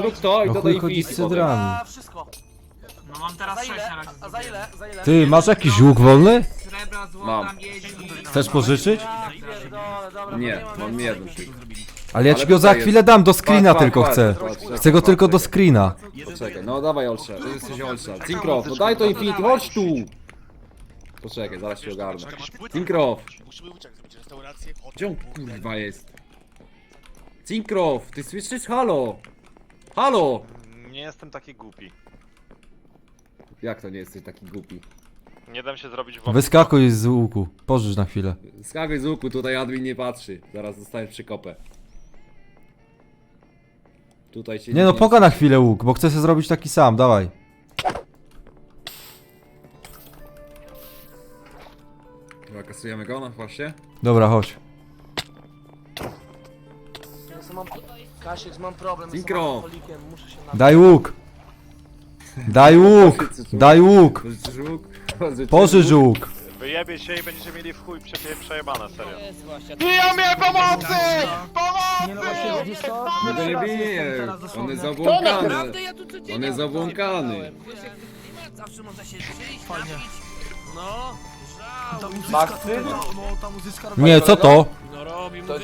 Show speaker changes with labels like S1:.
S1: zrób to i
S2: No
S1: dodaj
S2: chuj chodzi z
S1: Infinity potem.
S2: cydrami.
S3: A, wszystko.
S4: No mam teraz
S3: Za
S4: 6
S3: ile?
S4: na razie.
S3: A za ile? Za ile?
S2: Ty, masz jakiś łuk wolny?
S4: Srebra, złota,
S1: Mam.
S4: miedzi.
S2: Chcesz pożyczyć?
S3: Ja pierdolę, dobra,
S1: Nie,
S3: bo
S1: mam
S3: więcej.
S1: jeden.
S2: Ale ja
S1: Ale
S2: ci go za
S1: tutaj
S2: chwilę dam, do screena
S1: Patrz,
S2: tylko
S1: patrz,
S2: chcę.
S1: patrz,
S2: Chcę go
S1: patrz,
S2: tylko do
S1: czekaj.
S2: screena.
S1: Poczekaj, no dawaj Olsza, ty jesteś Olsza. Cinkrof, no daj to Infinity, chodź tu! Poczekaj, zaraz się ogarnę. Cinkrof!
S5: Musimy uciec, zrobić restaurację, hotel,
S1: Gdzie on kurwa jest? Cinkrof, ty słyszysz? Halo! Halo!
S6: Nie jestem taki głupi.
S1: Jak to nie jesteś taki głupi?
S6: Nie dam się zrobić w
S2: Wyskakuj z łuku. Pożycz na chwilę.
S1: Skakuj z łuku, tutaj admin nie patrzy. Zaraz dostaniesz przykopę. Tutaj się
S2: Nie no, poka na chwilę łuk, bo chcę sobie zrobić taki sam, dawaj.
S1: Dobra, kasujemy go na właśnie.
S2: Dobra, chodź.
S3: Ja sam mam... Kasiek, mam problem, jestem
S1: Synchro.
S3: alkoholikiem, muszę się napić.
S2: Daj łuk. Daj łuk. Daj łuk.
S1: Pożyczysz łuk?
S2: Pożycz łuk.
S6: Wyjebie się i będziecie mieli w chuj przejebane, serio.
S5: Biją mnie pomocy!
S3: Nie no właśnie, widzisz co?
S1: No to nie
S3: Raz
S1: bije,
S3: jestem teraz
S1: on
S3: dosłownie.
S1: jest zabłąkany.
S4: Naprawdę ja tu codziennie
S1: On jest zabłąkany.
S4: Wiesz jak klimat, zawsze można się przyjść,
S3: Fajnie.
S4: napić. No,
S3: Ta
S4: żał.
S3: muzyczka, to, no, ta muzyczka robi...
S2: Nie, co to?
S4: No robi mu